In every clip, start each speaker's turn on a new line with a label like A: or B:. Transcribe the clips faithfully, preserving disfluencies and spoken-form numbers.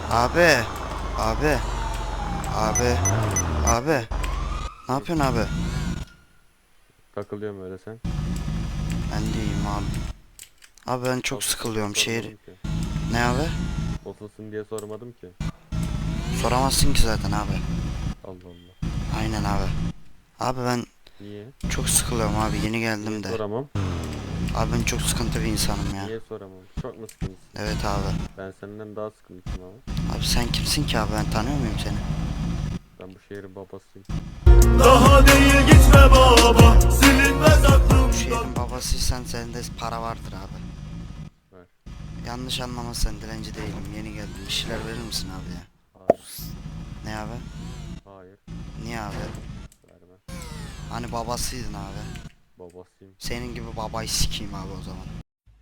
A: Abi. Abi. Abi. Abi. Ne yapıyorsun abi?
B: Takılıyorum öyle sen.
A: Ben de iyiyim abi. Abi ben çok
B: Nasılsın
A: sıkılıyorum
B: diye
A: şehir.
B: sormadım ki.
A: Ne abi?
B: Nasılsın diye sormadım ki.
A: Soramazsın ki zaten abi.
B: Allah Allah.
A: Aynen abi. Abi ben
B: Niye?
A: çok sıkılıyorum abi, yeni
B: Niye
A: geldim de.
B: soramam?
A: Abi ben çok sıkıntı bir insanım ya.
B: Niye soramam? Çok mu sıkıntısın?
A: Evet abi.
B: Ben senden daha sıkıntıyım ama.
A: Abi sen kimsin ki abi, ben tanıyor muyum seni?
B: Ben bu şehrin babasıyım.
C: Daha değil gitme baba, silinmez
A: Bu
C: aklımdan.
A: şehrin babasıysan sende para vardır abi.
B: Ver.
A: Yanlış anlamazsan dilenci değilim, yeni geldim. Bir şeyler verir misin abi ya?
B: Hayır.
A: Ne abi?
B: Hayır.
A: Niye abi?
B: Vermem.
A: Hani babasıydın abi.
B: Babasıyım.
A: Senin gibi babayı sikeyim abi o zaman.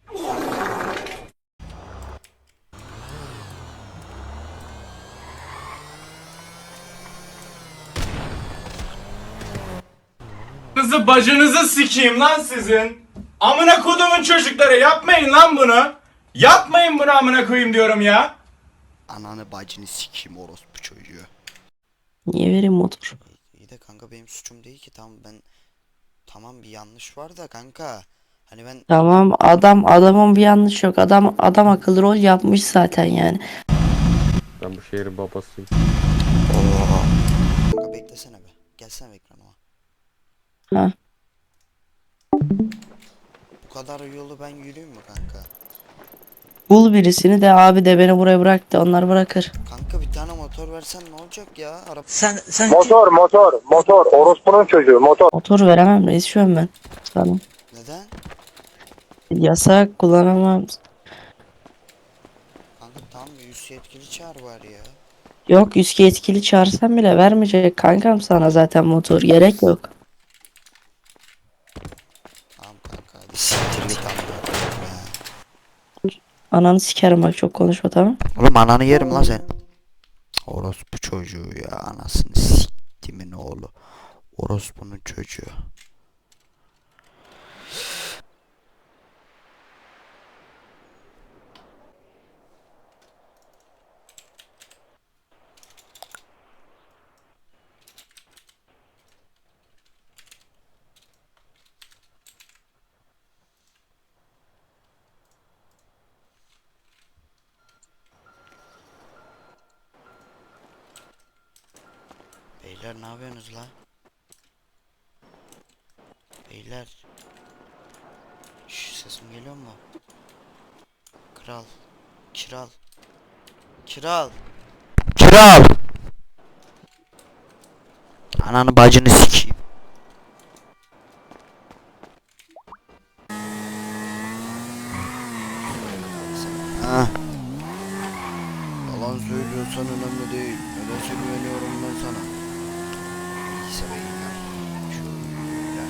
C: Kızı bacınızı sikeyim lan sizin. Amına kodumun çocukları, yapmayın lan bunu. Yapmayın bunu, amına koyayım diyorum ya.
A: Ananı bacını sikeyim orospu çocuğu.
D: Niye vereyim motor?
A: İyi de kanka benim suçum değil ki, tamam ben, tamam bir yanlış var da kanka. Hani ben
D: Tamam, adam adamın bir yanlış yok. Adam adam akıllı rol yapmış zaten yani.
B: Ben bu şehrin babasıyım.
A: Oo. Kanka beklesene be. Gelsene ekranıma.
D: Ha.
A: Bu kadar yolu ben yürüyeyim mi kanka?
D: Bul birisini de abi de beni buraya bırak da onlar bırakır.
A: Kanka bir tane motor versen ne olacak ya? Araba...
E: Sen sen
F: Motor motor motor orospunun çocuğu motor.
D: Motor veremem reis şu an ben. Sana.
A: Neden?
D: Yasak kullanamam.
A: Kanka tamam, üst yetkili çağır var ya.
D: Yok yüzke yetkili çağırsam bile vermeyecek kankam sana zaten motor gerek yok.
A: Tamam kanka hadi siktir git amına koyayım ya.
D: Ananı sikerim bak çok konuşma tamam.
A: Oğlum ananı yerim lan sen. Orospu çocuğu ya, anasını siktimin oğlu. Orospunun çocuğu. Beyler ne yapıyorsunuz la? Beyler. Şş, sesim geliyor mu? Kral. Kiral. Kiral. Kiral. Ananı bacını sikeyim. Ha. Yalan söylüyorsan önemli değil. Neden güveniyorum ben sana? İyiyse beyler. Şöyle.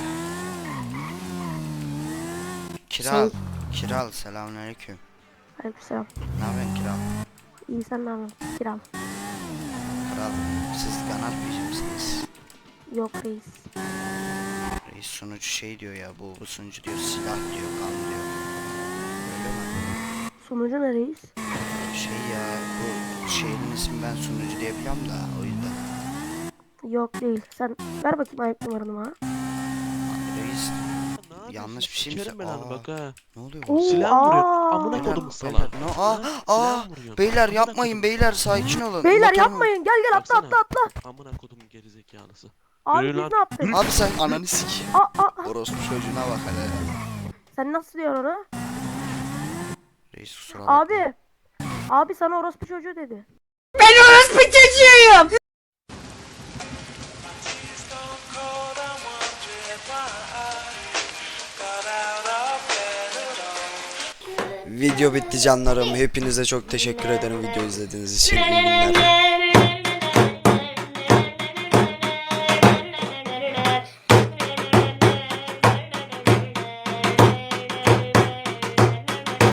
A: Kiral. Kiral, selamünaleyküm.
G: Aleykümselam.
A: Ne yapıyorsun Kiral?
G: İyi sen ne yapıyorsun? Kiram.
A: Kral, siz kanal misiniz?
G: Yok reis.
A: Reis sunucu şey diyor ya, bu, bu sunucu diyor silah diyor, kan diyor. Öyle mi?
G: Sunucu ne reis?
A: Şey ya, bu şehrin ismi ben sunucu diye biliyorum da o yüzden.
G: Yok değil. Sen ver bakayım ayak numaranı bana.
A: Reis yanlış bir şey mi?
H: Sikerim ben abi bak ha.
A: Ne oluyor
G: Oo,
A: bu?
H: Silah vuruyor.
G: aa.
H: Amına
A: Beyler,
H: kodum sana.
A: beyler, no, aa, aa, beyler yapmayın beyler, sakin olun.
G: Beyler
A: Motorumu-
G: yapmayın. Gel gel atla atla atla.
H: Amına kodum gerizekalısı.
G: Abi
H: Yürü
G: biz
H: lan.
G: ne yaptık?
A: Abi sen ananı sikeyim.
G: Aa, aa, aa.
A: Orospu çocuğuna bak hele.
G: Sen nasıl diyorsun onu?
A: Reis kusura bakma.
G: Abi. Abi sana orospu çocuğu dedi.
A: Video bitti canlarım. Hepinize çok teşekkür ederim video izlediğiniz için. İyi günler.